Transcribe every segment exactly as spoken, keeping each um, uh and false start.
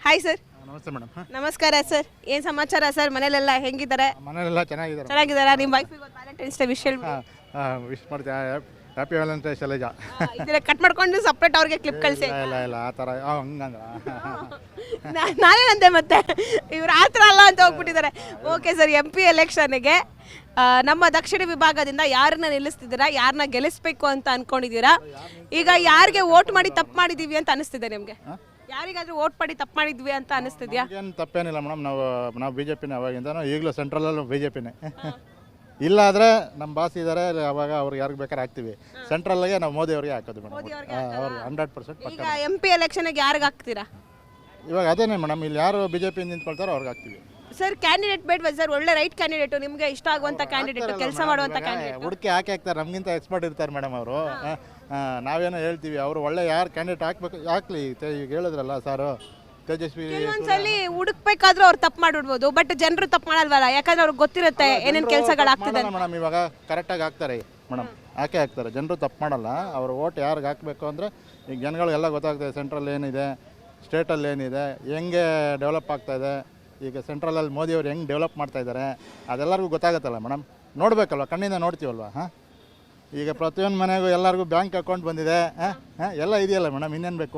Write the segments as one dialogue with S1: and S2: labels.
S1: Hi sir.
S2: ನಮಸ್ತೆ madam.
S1: ನಮಸ್ಕಾರ sir. ಏನು ಸಮಾಚಾರ ಸರ್? ಮನೇಲೆಲ್ಲ ಹೆಂಗಿದ್ದಾರೆ?
S2: ಮನೆಯಲ್ಲೆಲ್ಲ ಚೆನ್ನಾಗಿದ್ದಾರೆ.
S1: ಚೆನ್ನಾಗಿದ್ದಾರಾ? ನಿಮ್ಮ ವೈಫಿಗೆ ಒಂದು ವ್ಯಾಲೆಂಟೈನ್ಸ್ ಡೇ ವಿಶ್ ಹೇಳ್ಬಿಡಿ.
S2: ವಿಶ್ ಮಾಡ್ತೀವಿ. Happy valentine's Shailaja.
S1: ಇದನ್ನ ಕಟ್ ಮಾಡ್ಕೊಂಡು ಸಪ್ರೇಟ್ ಅವ್ರಿಗೆ ಕ್ಲಿಪ್ ಕಳಿಸಿ.
S2: ಇಲ್ಲ ಇಲ್ಲ ಆ ಥರ ಹಂಗಂದ್ರ
S1: ನಾನೇನಂತೆ ಮತ್ತೆ ಇವ್ರು ಆ ಥರ ಅಲ್ಲ ಅಂತ ಹೋಗ್ಬಿಟ್ಟಿದ್ದಾರೆ. ಓಕೆ ಸರ್, ಎಂ ಪಿ ಎಲೆಕ್ಷನ್ಗೆ ನಮ್ಮ ದಕ್ಷಿಣ ವಿಭಾಗದಿಂದ ಯಾರನ್ನ ನಿಲ್ಲಿಸ್ತಿದ್ದೀರಾ, ಯಾರನ್ನ ಗೆಲ್ಲಿಸ್ಬೇಕು ಅಂತ ಅನ್ಕೊಂಡಿದ್ದೀರಾ? ಈಗ ಯಾರಿಗೆ ವೋಟ್ ಮಾಡಿ ತಪ್ಪು ಮಾಡಿದೀವಿ ಅಂತ ಅನಿಸ್ತಿದೆ ನಿಮಗೆ? ಯಾರಿಗಾದ್ರೂ ವೋಟ್ ಮಾಡಿ ತಪ್ಪು ಮಾಡಿದ್ವಿ ಅಂತ ಅನಿಸ್ತಿದ್ಯಾ?
S2: ಏನು ತಪ್ಪೇನಿಲ್ಲ ಮೇಡಮ್. ನಾವು ನಾವು ಬಿ ಜೆ ಪಿನೇ ಅವಾಗಿಂದ, ಈಗಲೂ ಸೆಂಟ್ರಲಲ್ಲೂ ಬಿ ಜೆ ಪಿನೇ. ಇಲ್ಲ ಆದರೆ ನಮ್ಮ ಬಾಸ್ ಇದ್ದಾರೆ, ಅವಾಗ ಅವ್ರಿಗೆ ಯಾರಿಗೆ ಬೇಕಾದ್ರೆ ಹಾಕ್ತೀವಿ. ಸೆಂಟ್ರಲ್ಗೆ ನಾವು ಮೋದಿ ಅವ್ರಿಗೆ ಹಾಕೋದು ಮೇಡಮ್. ಅವ್ರಿಗೆ ಹಂಡ್ರೆಡ್ ಪರ್ಸೆಂಟ್ ಪಕ್ಕ.
S1: ಈಗ ಎಂ ಪಿ ಎಲೆಕ್ಷನ್ಗೆ ಯಾರಿಗೆ ಹಾಕ್ತೀರಾ?
S2: ಇವಾಗ ಅದೇನೇ ಮೇಡಮ್, ಇಲ್ಲಿ ಯಾರು ಬಿ ಜೆ ಪಿ ನಿಂತ್ಕೊಳ್ತಾರೋ ಅವ್ರಿಗೆ ಹಾಕ್ತೀವಿ.
S1: ಸರ್ ಕ್ಯಾಂಡಿಡೇಟ್ ಬೇಡವಾ ಸರ್? ಒಳ್ಳೆ ರೈಟ್ ಕ್ಯಾಂಡಿಡೇಟು, ನಿಮಗೆ ಇಷ್ಟ ಆಗುವಂಥ ಕ್ಯಾಂಡಿಡೇಟ್, ಕೆಲಸ ಮಾಡುವಂಥ ಕ್ಯಾಂಡಿಡೇಟ್.
S2: ಹುಡುಕಿ ಹಾಕಿ ಹಾಕ್ತಾರೆ, ನಮಗಿಂತ ಎಕ್ಸ್ಪರ್ಟ್ ಇರ್ತಾರೆ ಮೇಡಮ್ ಅವರು. ನಾವೇನೋ ಹೇಳ್ತೀವಿ, ಅವರು ಒಳ್ಳೆ ಯಾರು ಕ್ಯಾಂಡಿಡೇಟ್ ಹಾಕ್ಬೇಕು ಹಾಕ್ಲಿ. ಈಗ ಹೇಳಿದ್ರಲ್ಲ ಸಾರು, ತೇಜಸ್ವಿ.
S1: ಕೆಲವೊಂದ್ಸಲಿ ಹುಡುಕ್ಬೇಕಾದ್ರೂ ಅವ್ರು ತಪ್ಪು ಮಾಡಿಬಿಡ್ಬೋದು, ಬಟ್ ಜನರು ತಪ್ಪು ಮಾಡಲ್ವಲ್ಲ, ಯಾಕಂದ್ರೆ ಅವ್ರಿಗೆ ಗೊತ್ತಿರುತ್ತೆ ಏನೇನು ಕೆಲಸಗಳಾಗ್ತಿದೆ
S2: ಮೇಡಮ್. ಇವಾಗ ಕರೆಕ್ಟಾಗಿ ಹಾಕ್ತಾರೆ ಮೇಡಮ್, ಹಾಕೇ ಹಾಕ್ತಾರೆ. ಜನರು ತಪ್ಪು ಮಾಡಲ್ಲ. ಅವ್ರ ಓಟ್ ಯಾರಿಗೆ ಹಾಕಬೇಕು ಅಂದರೆ ಈಗ ಜನಗಳಿಗೆಲ್ಲ ಗೊತ್ತಾಗ್ತದೆ ಸೆಂಟ್ರಲ್ ಏನಿದೆ, ಸ್ಟೇಟಲ್ಲಿ ಏನಿದೆ, ಹೆಂಗೆ ಡೆವಲಪ್ ಆಗ್ತಾಯಿದೆ. ಈಗ ಸೆಂಟ್ರಲಲ್ಲಿ ಮೋದಿಯವ್ರು ಹೆಂಗೆ ಡೆವಲಪ್ ಮಾಡ್ತಾಯಿದ್ದಾರೆ ಅದೆಲ್ಲರಿಗೂ ಗೊತ್ತಾಗುತ್ತಲ್ಲ ಮೇಡಮ್. ನೋಡಬೇಕಲ್ವ, ಕಣ್ಣಿಂದ ನೋಡ್ತೀವಲ್ವ. ಹಾಂ, ಈಗ ಪ್ರತಿಯೊಂದು ಮನೆಗೂ ಎಲ್ಲರಿಗೂ ಬ್ಯಾಂಕ್ ಅಕೌಂಟ್ ಬಂದಿದೆ, ಹಾಂ ಹಾಂ ಎಲ್ಲ ಇದೆಯಲ್ಲ ಮೇಡಮ್, ಇನ್ನೇನು ಬೇಕು?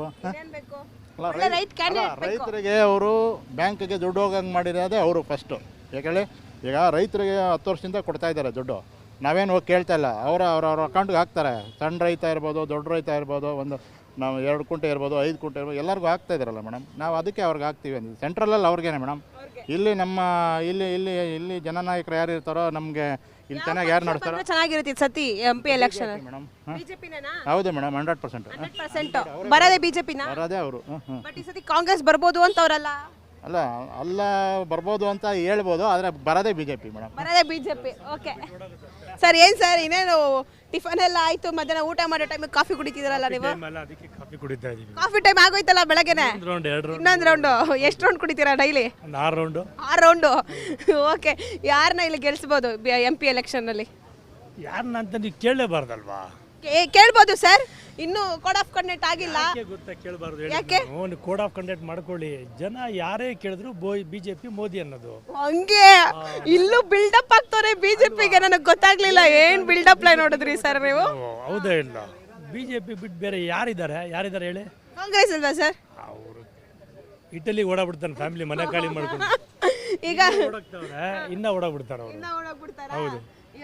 S2: ರೈತರಿಗೆ ಅವರು ಬ್ಯಾಂಕಿಗೆ ದುಡ್ಡು ಹೋಗಂಗೆ ಮಾಡಿರೋದೇ ಅವರು ಫಸ್ಟು. ಯಾಕೇಳಿ, ಈಗ ರೈತರಿಗೆ ಹತ್ತು ವರ್ಷದಿಂದ ಕೊಡ್ತಾ ಇದ್ದಾರೆ ದುಡ್ಡು, ನಾವೇನು ಹೋಗಿ ಕೇಳ್ತಾ ಇಲ್ಲ. ಅವರ ಅವ್ರ ಅವ್ರ ಅಕೌಂಟ್ಗೆ ಹಾಕ್ತಾರೆ. ಸಣ್ಣ ರೈತ ಇರ್ಬೋದು, ದೊಡ್ಡ ರೈತ ಇರ್ಬೋದು, ಒಂದು ನಾವು ಎರಡು ಕುಂಟೆ ಇರ್ಬೋದು, ಐದು ಕುಂಟೆ ಇರ್ಬೋದು, ಎಲ್ಲರಿಗೂ ಆಗ್ತಾ ಇದ್ದಾರಲ್ಲ ಮೇಡಮ್. ನಾವು ಅದಕ್ಕೆ ಅವ್ರಿಗೆ ಹಾಕ್ತೀವಿ ಅಂದಿದ್ದು. ಸೆಂಟ್ರಲಲ್ಲಿ ಅವ್ರಿಗೇನೆ ಮೇಡಮ್. ಇಲ್ಲಿ ನಮ್ಮ ಇಲ್ಲಿ ಇಲ್ಲಿ ಇಲ್ಲಿ ಜನನಾಯಕರು ಯಾರು ಇರ್ತಾರೋ ನಮಗೆ ಇಲ್ಲಿ ಚೆನ್ನಾಗಿ ಯಾರು ನಡೆಸ್ತಾರೋ
S1: ಚೆನ್ನಾಗಿರುತ್ತೆ ಸತಿ ಎಂ ಪಿ ಎಲೆಕ್ಷನ್
S2: ಮೇಡಮ್. ಹೌದು ಮೇಡಮ್, ಹಂಡ್ರೆಡ್ ಪರ್ಸೆಂಟ್
S1: ಬರೋದೇ ಬಿಜೆಪಿನ
S2: ಬರೋದೇ ಅವರು.
S1: ಬಟ್ ಈ ಸತಿ ಕಾಂಗ್ರೆಸ್ ಬರ್ಬೋದು ಅಂತ ಅವರಲ್ಲ
S2: ಅಲ್ಲ ಅಲ್ಲ ಬರ್ಬೋದು ಅಂತ ಹೇಳ್ಬೋದು, ಆದರೆ ಬರೋದೇ ಬಿಜೆಪಿ ಮೇಡಮ್.
S1: ಬರೋದೇ ಬಿಜೆಪಿ. Okay sir. ಏನು ಸರ್, ಇನ್ನೇನು ಟಿಫನ್ ಎಲ್ಲ ಆಯ್ತು, ಮಧ್ಯಾಹ್ನ ಊಟ ಮಾಡೋ ಟೈಮಿಗೆ ಕಾಫಿ ಕುಡಿತಿದ್ರಲ್ಲ ನೀವು?
S3: ಕಾಫಿ ಕುಡಿತಾ ಇದೀವಿ.
S1: ಕಾಫಿ ಟೈಮ್ ಆಗೋಯ್ತಲ್ಲ ಬೆಳಗ್ಗೆನೆ. ಇನ್ನೊಂದು ರೌಂಡು. ಎಷ್ಟು ರೌಂಡ್ ಕುಡಿತೀರಾ ಡೈಲಿ?
S3: ಆರು ರೌಂಡು.
S1: ಆರು ರೌಂಡು. ಓಕೆ, ಯಾರನ್ನ ಇಲ್ಲಿ ಗೆಲ್ಸ್ಬೋದು ಎಂ ಪಿ ಎಲೆಕ್ಷನ್ನಲ್ಲಿ?
S3: ಯಾರನ್ನ ಅಂತ ನೀವು ಕೇಳಲೇಬಾರ್ದಲ್ವಾ?
S1: ಕೇಳ್ಬೋದು ಸರ್, ಇನ್ನೂ ಕೋಡ್ ಆಫ್ ಕಂಡಕ್ಟ್ ಆಗಿಲ್ಲ.
S3: ಗೊತ್ತಾ ಕೇಳಬಾರ್ದು?
S1: ಯಾಕೆ?
S3: ಕೋಡ್ ಆಫ್ ಕಂಡಕ್ಟ್ ಮಾಡ್ಕೊಳ್ಳಿ. ಜನ ಯಾರೇ ಕೇಳಿದ್ರು ಬಿಜೆಪಿ ಮೋದಿ ಅನ್ನೋದು.
S1: ಹಂಗೆ ಇಲ್ಲೂ ಬಿಲ್ಡಪ್ ಆಗ್ತವ್ರೆ ಬಿಜೆಪಿಗೆ. ನನಗೆ ಗೊತ್ತಾಗ್ಲಿಲ್ಲ ಏನ್ ಬಿಲ್ಡಪ್ ಲೈ ನೋಡಿದ್ರಿ ಸರ್ ನೀವು?
S3: ಹೌದಾ? ಇಲ್ಲ, ಬಿಜೆಪಿ ಬಿಟ್ಟು ಬೇರೆ ಯಾರಿದ್ದಾರೆ? ಯಾರಿದ್ದಾರೆ ಹೇಳಿ?
S1: ಕಾಂಗ್ರೆಸ್ ಅಲ್ವಾ ಸರ್?
S3: ಅವರು ಇಟಲಿ ಓಡಾಡ್ಬಿಡ್ತಾನೆ, ಫ್ಯಾಮಿಲಿ ಮನೆ ಖಾಲಿ ಮಾಡ್ಕೊಂಡು.
S1: ಈಗ
S3: ಓಡಾಡ್ತಾವ್ರೆ, ಇನ್ನ ಓಡಾಡ್ಬಿಡ್ತಾರೆ ಅವರು. ಹೌದು.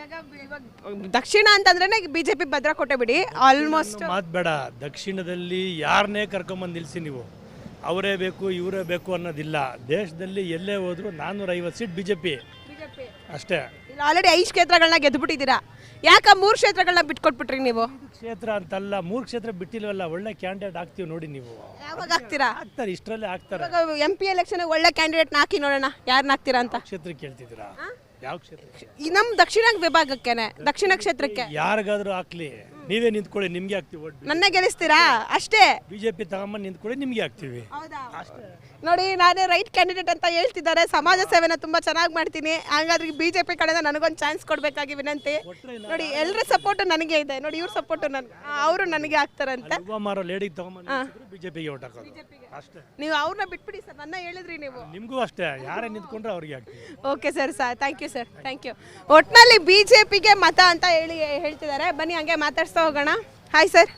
S1: ದಕ್ಷಿಣ ಅಂತಂದ್ರೆ ಬಿಜೆಪಿ ಭದ್ರ ಕೊಟ್ಟೆ ಬಿಡಿ. ಆಲ್ಮೋಸ್ಟ್
S3: ಮಾತು ಬೇಡ. ದಕ್ಷಿಣದಲ್ಲಿ ಯಾರನ್ನೇ ಕರ್ಕೊಂಬಂದು ನಿಲ್ಸಿ ನೀವು, ಅವರೇ ಬೇಕು ಇವರೇ ಬೇಕು ಅನ್ನೋದಿಲ್ಲ. ದೇಶದಲ್ಲಿ ಎಲ್ಲೇ ಹೋದ್ರು ನಾನ್ನೂರ ಐವತ್ತು ಸೀಟ್ ಬಿಜೆಪಿ ಅಷ್ಟೇ.
S1: ಆಲ್ರೆಡಿ ಐದು ಕ್ಷೇತ್ರಗಳನ್ನ ಗೆದ್ದುಬಿಟ್ಟಿದ್ದೀರಾ. ಯಾಕ ಮೂರು ಕ್ಷೇತ್ರಗಳನ್ನ ಬಿಟ್ಕೊಟ್ಬಿಟ್ರಿ ನೀವು?
S3: ಕ್ಷೇತ್ರ ಅಂತಲ್ಲ, ಮೂರು ಕ್ಷೇತ್ರ ಬಿಟ್ಟಿಲ್ವಲ್ಲ. ಒಳ್ಳೆ ಕ್ಯಾಂಡಿಡೇಟ್ ಆಗ್ತೀವಿ ನೋಡಿ ನೀವು.
S1: ಯಾವಾಗ ಆಗ್ತೀರಾ?
S3: ಆಗ್ತಾರೆ, ಇಷ್ಟರಲ್ಲೇ ಆಗ್ತಾರೆ.
S1: ಎಂ ಪಿ ಎಲೆಕ್ಷನ್ ಒಳ್ಳೆ ಕ್ಯಾಂಡಿಡೇಟ್ ಹಾಕಿ ನೋಡೋಣ ಯಾರನ್ನ ಹಾಕ್ತೀರಾ ಅಂತ.
S3: ಕ್ಷೇತ್ರ ಕೇಳ್ತಿದ್ದೀರಾ? ಯಾವ ಕ್ಷೇತ್ರ?
S1: ನಮ್ ದಕ್ಷಿಣ ವಿಭಾಗಕ್ಕೇನೆ, ದಕ್ಷಿಣ ಕ್ಷೇತ್ರಕ್ಕೆ
S3: ಯಾರಿಗಾದ್ರೂ ಹಾಕ್ಲಿ, ನೀವೇ ನಿಂತ್ಕೊಳ್ಳಿ, ನಿಮ್ಗೆ ಹಾಕ್ತಿವಿ.
S1: ನನ್ನ ಗೆಲ್ಲಿಸ್ತೀರಾ ಅಷ್ಟೇ.
S3: ಬಿಜೆಪಿ ತಗೊಂಬಂದು ನಿಂತ್ಕೊಳ್ಳಿ, ನಿಮ್ಗೆ ಹಾಕ್ತಿವಿ.
S1: ನೋಡಿ, ನಾನೇ ರೈಟ್ ಕ್ಯಾಂಡಿಡೇಟ್ ಅಂತ ಹೇಳ್ತಿದ್ದಾರೆ. ಸಮಾಜ ಸೇವೆನ ತುಂಬಾ ಚೆನ್ನಾಗಿ ಮಾಡ್ತೀನಿ. ಹಾಗಾದ್ರೆ ಬಿಜೆಪಿ ಕಡೆಯಿಂದ ನನಗೊಂದು ಚಾನ್ಸ್ ಕೊಡ್ಬೇಕಾಗಿ ವಿನಂತಿ. ನೋಡಿ, ಎಲ್ಲರ ಸಪೋರ್ಟ್ ನನಗೆ ಇದೆ. ನೋಡಿ, ಇವ್ರ ಸಪೋರ್ಟ್ ನನ್ ಅವರು ನನಗೆ ಹಾಕ್ತಾರಂತೆ.
S3: ಲೇಡಿಗೆ ತಗೊಂಬಂದು ಬಿಜೆಪಿಗೆ ಓಟ್ ಹಾಕೋದು ಅಷ್ಟೇ.
S1: ನೀವು ಅವ್ರನ್ನ ಬಿಟ್ಬಿಡಿ ಸರ್, ನನ್ನ ಹೇಳಿದ್ರಿ ನೀವು.
S3: ನಿಮ್ಗೂ ಅಷ್ಟೇ, ಯಾರೇ ನಿಂತ್ಕೊಂಡ್ರೆ ಅವ್ರಿಗೆ ಹಾಕ್ತೀವಿ.
S1: Okay sir, sir thank you sir, thank you. ಒಟ್ಟಿನಲ್ಲಿ ಬಿಜೆಪಿಗೆ ಮತ ಅಂತ ಹೇಳಿ ಹೇಳ್ತಿದ್ದಾರೆ. ಬನ್ನಿ ಹಂಗೆ ಮಾತಾಡ್ಸ್ತಾ ಹೋಗೋಣ. Hi sir.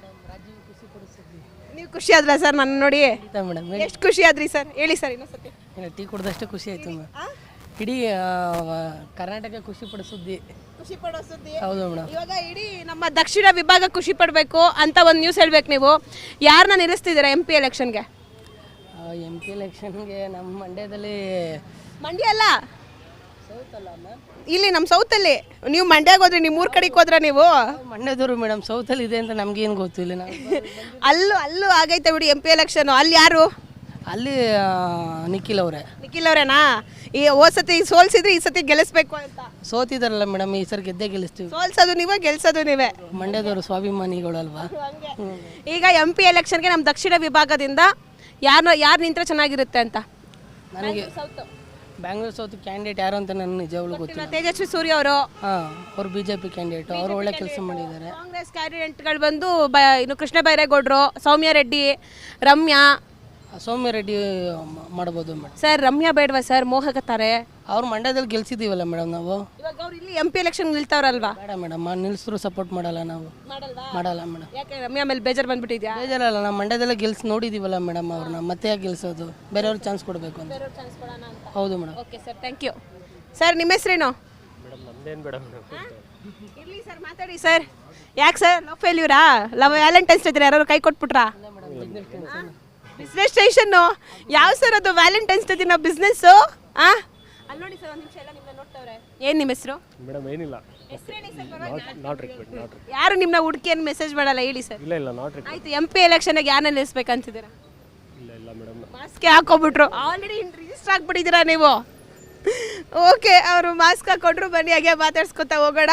S1: ನೀವು ಖುಷಿ ಆದ್ರ ಸರ್ ನನ್ನ ನೋಡಿ? ಎಷ್ಟು ಖುಷಿ ಆದ್ರಿ ಸರ್? ಹೇಳಿ ಸರ್ ಇನ್ನೊಂದ್ಸತಿ.
S4: ಟೀ ಕುಡ್ದಷ್ಟು ಖುಷಿ ಆಯ್ತು. ಇಡೀ ಕರ್ನಾಟಕ ಖುಷಿ ಪಡೋ ಸುದ್ದಿ.
S1: ಖುಷಿ ಪಡೋ ಸುದ್ದಿ.
S4: ಹೌದು ಮೇಡಮ್.
S1: ಇವಾಗ ಇಡೀ ನಮ್ಮ ದಕ್ಷಿಣ ವಿಭಾಗ ಖುಷಿ ಪಡಬೇಕು ಅಂತ ಒಂದು ನ್ಯೂಸ್ ಹೇಳ್ಬೇಕು ನೀವು. ಯಾರನ್ನ ನಿಲ್ಲಿಸ್ತಿದ್ದೀರಾ ಎಂ ಪಿ ಎಲೆಕ್ಷನ್ಗೆ?
S4: ಎಂ ಪಿ ಎಲೆಕ್ಷನ್ಗೆ ನಮ್ಮ ಮಂಡ್ಯದಲ್ಲಿ.
S1: ಮಂಡ್ಯ ಅಲ್ಲ, ಇಲ್ಲಿ ನಮ್ಮ ಸೌತಲ್ಲಿ. ನೀವು ಮಂಡ್ಯಾಗ ಹೋದ್ರಿ, ನಿಮ್ಮ ಊರ್ ಕಡೆಗೆ ಹೋದ್ರ ನೀವು?
S4: ಮಂಡ್ಯದವರು ಮೇಡಮ್. ಸೌತಲ್ಲಿ ಇದೆ ಅಂತ ನಮ್ಗೇನು ಗೊತ್ತಿಲ್ಲ. ನಾವು
S1: ಅಲ್ಲೂ ಅಲ್ಲೂ ಆಗೈತೆ ಬಿಡಿ ಎಂ ಪಿ ಎಲೆಕ್ಷನ್. ಅಲ್ಲಿ ಯಾರು?
S4: ಅಲ್ಲಿ ನಿಖಿಲ್ ಅವರೇ.
S1: ನಿಖಿಲ್ ಅವರೇನಾ? ಈ ಹೋದ್ ಸತಿ ಸೋಲ್ಸಿದ್ರೆ ಈ ಸತಿ ಗೆಲ್ಲಿಸ್ಬೇಕು ಅಂತ.
S4: ಸೋತಿದಾರಲ್ಲ ಮೇಡಮ್, ಈ ಸರಿ ಗೆದ್ದೇ ಗೆಲ್ಲಿಸ್ತೀವಿ.
S1: ಸೋಲ್ಸೋದು ನೀವೇ, ಗೆಲ್ಸೋದು ನೀವೇ.
S4: ಮಂಡ್ಯದವರು ಸ್ವಾಭಿಮಾನಿಗಳಲ್ವಾ?
S1: ಈಗ ಎಂ ಪಿ ಎಲೆಕ್ಷನ್ಗೆ ನಮ್ಮ ದಕ್ಷಿಣ ವಿಭಾಗದಿಂದ ಯಾರು ಯಾರು ನಿಂತ್ರೆ ಚೆನ್ನಾಗಿರುತ್ತೆ ಅಂತ?
S4: ನನಗೆ ಬ್ಯಾಂಗ್ಳೂರ್ ಸೌತ್ ಕ್ಯಾಂಡಿಡೇಟ್ ಯಾರು ಅಂತ ನನ್ನ ನಿಜವಾಗ್ಲೂ ಗೊತ್ತಿಲ್ಲ.
S1: ತೇಜಸ್ವಿ ಸೂರ್ಯ ಅವರು.
S4: ಹಾಂ, ಅವರು ಬಿಜೆಪಿ ಕ್ಯಾಂಡಿಡೇಟ್. ಅವರು ಒಳ್ಳೆ ಕೆಲಸ ಮಾಡಿದ್ದಾರೆ.
S1: ಕಾಂಗ್ರೆಸ್ ಕ್ಯಾಂಡಿಡೇಟ್ಗಳು ಬಂದು ಬ ಇನ್ನು ಕೃಷ್ಣ ಬೈರೇಗೌಡರು, ಸೌಮ್ಯ ರೆಡ್ಡಿ, ರಮ್ಯಾ,
S4: ಸೌಮ್ಯ ರೆಡ್ಡಿ ಮ- ಮಾಡ್ಬೋದು ಮೇಡಮ್.
S1: ಸರ್ ರಮ್ಯಾ ಬೇಡವಾ ಸರ್ ಮೋಹಕತ್ತಾರೆ
S4: ಅವ್ರು ಮಂಡ್ಯದಲ್ಲಿ ಗೆಲ್ಸಿದ್ದೀವಲ್ಲ ಮೇಡಮ್ ನಾವು.
S1: ಇವಾಗ ಅವ್ರು ಇಲ್ಲಿ ಎಂ ಪಿ ಎಲೆಕ್ಷನ್ ನಿಲ್ತಾವ್ರಲ್ವಾ
S4: ಬೇಡ ಮೇಡಮ್ ನಿಲ್ಸಿದ್ರು ಸಪೋರ್ಟ್ ಮಾಡಲ್ಲ ನಾವು, ಮಾಡಲ್ಲ ಮೇಡಮ್.
S1: ಯಾಕೆ ರಮ್ಯಾ ಮೇಲೆ ಬೇಜಾರು ಬಂದ್ಬಿಟ್ಟಿದ್ಯಾ
S4: ಬೇಜಾರಲ್ಲ, ನಾವು ಮಂಡ್ಯದಲ್ಲೇ ಗೆಲ್ಸಿ ನೋಡಿದ್ದೀವಲ್ಲ ಮೇಡಮ್ ಅವ್ರನ್ನ, ಮತ್ತೆ ಯಾಕೆ ಗೆಲ್ಸೋದು, ಬೇರೆಯವ್ರಿಗೆ ಚಾನ್ಸ್ ಕೊಡಬೇಕು ಅಂತ. ಹೌದು madam.
S1: Okay sir thank you. Sir ನಿಮ್ಮ ಹೆಸರೇನು?
S5: ಮೇಡಮ್ ನಮ್ದೇನು ಬೇಡ ಮೇಡಮ್.
S1: ಇರ್ಲಿ ಸರ್ ಮಾತಾಡಿ ಸರ್. ಯಾಕೆ ಸರ್ ಲವ್ ಫೇಲ್ಯೂರಾ? ಲವ್ ವ್ಯಾಲೆಂಟೈನ್ಸ್ ಇದ್ರೆ ಯಾರು ಕೈ ಕೊಟ್ಬಿಟ್ರಾ? ಬಿಸ್ನೆಸ್ ಟೆನ್ಷನ್ನು ಯಾವ ಸರ್ ಅದು ವ್ಯಾಲೆಂಟೈನ್ಸ್ ಡೇ ದಿನ ಬಿಸ್ನೆಸ್ಸು? ಆ ಅಲ್ಲಿ ನೋಡಿ ಸರ್ ಒಂದು ನಿಮಿಷ ಎಲ್ಲ ನಿಮ್ಮನ್ನ ನೋಡ್ತಾವ್ರೆ. ಏನು ನಿಮ್ಮ ಹೆಸರು?
S5: ಮೇಡಮ್ ಏನಿಲ್ಲ, ನಾಟ್ ರಿಕ್ವೆಸ್ಟ್ ನಾಟ್ ರಿಕ್ವೆಸ್ಟ್.
S1: ಯಾರು ನಿಮ್ಮನ್ನ ಹುಡುಕಿ ಏನು ಮೆಸೇಜ್ ಮಾಡಲ್ಲ ಹೇಳಿ ಸರ್.
S5: ಇಲ್ಲ ಇಲ್ಲ ನಾಟ್ ರಿಕ್ವೆಸ್ಟ್.
S1: ಆಯ್ತು ಎಂ ಪಿ ಎಲೆಕ್ಷನ್ಗೆ ಯಾರನ್ನ ನಿಲ್ಲಿಸ್ಬೇಕಂತಿದ್ದೀರಾ?
S5: ಇಲ್ಲ ಇಲ್ಲ ಮೇಡಮ್.
S1: ಮಾಸ್ಕ್ ಹಾಕೋಬಿಟ್ರು, ಆಲ್ರೆಡಿ ರಿಜಿಸ್ಟರ್ ಆಗ್ಬಿಟ್ಟಿದ್ದೀರಾ ನೀವು. ಓಕೆ ಅವರು ಮಾಸ್ಕ್ ಹಾಕೊಂಡ್ರು, ಬನ್ನಿ ಹಾಗೆ ಮಾತಾಡ್ಸ್ಕೊತಾ ಹೋಗೋಣ.